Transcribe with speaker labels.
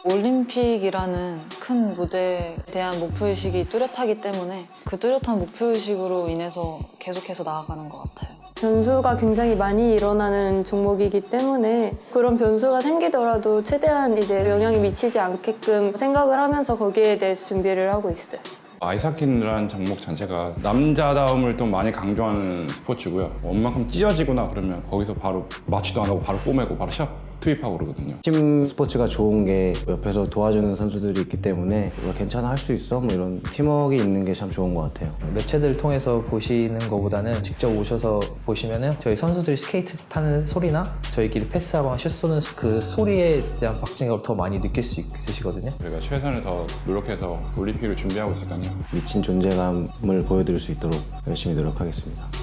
Speaker 1: 올림픽이라는 큰 무대에 대한 목표의식이 뚜렷하기 때문에 그 뚜렷한 목표의식으로 인해서 계속해서 나아가는 것 같아요.
Speaker 2: 변수가 굉장히 많이 일어나는 종목이기 때문에 그런 변수가 생기더라도 최대한 이제 영향이 미치지 않게끔 생각을 하면서 거기에 대해서 준비를 하고 있어요.
Speaker 3: 아이스하키라는 종목 자체가 남자다움을 좀 많이 강조하는 스포츠고요. 웬만큼 찢어지거나 그러면 거기서 바로 마취도 안 하고 바로 꼬매고 바로 시합 투입하고 그러거든요.
Speaker 4: 팀 스포츠가 좋은 게 옆에서 도와주는 선수들이 있기 때문에 이거 괜찮아 할 수 있어? 뭐 이런 팀워크가 있는 게 참 좋은 것 같아요.
Speaker 5: 매체들 통해서 보시는 것보다는 직접 오셔서 보시면은 저희 선수들이 스케이트 타는 소리나 저희끼리 패스하거나 슛 쏘는 그 소리에 대한 박진감을 더 많이 느낄 수 있으시거든요.
Speaker 3: 저희가 최선을 더 노력해서 올림픽을 준비하고 있으니까요.
Speaker 4: 미친 존재감을 보여드릴 수 있도록 열심히 노력하겠습니다.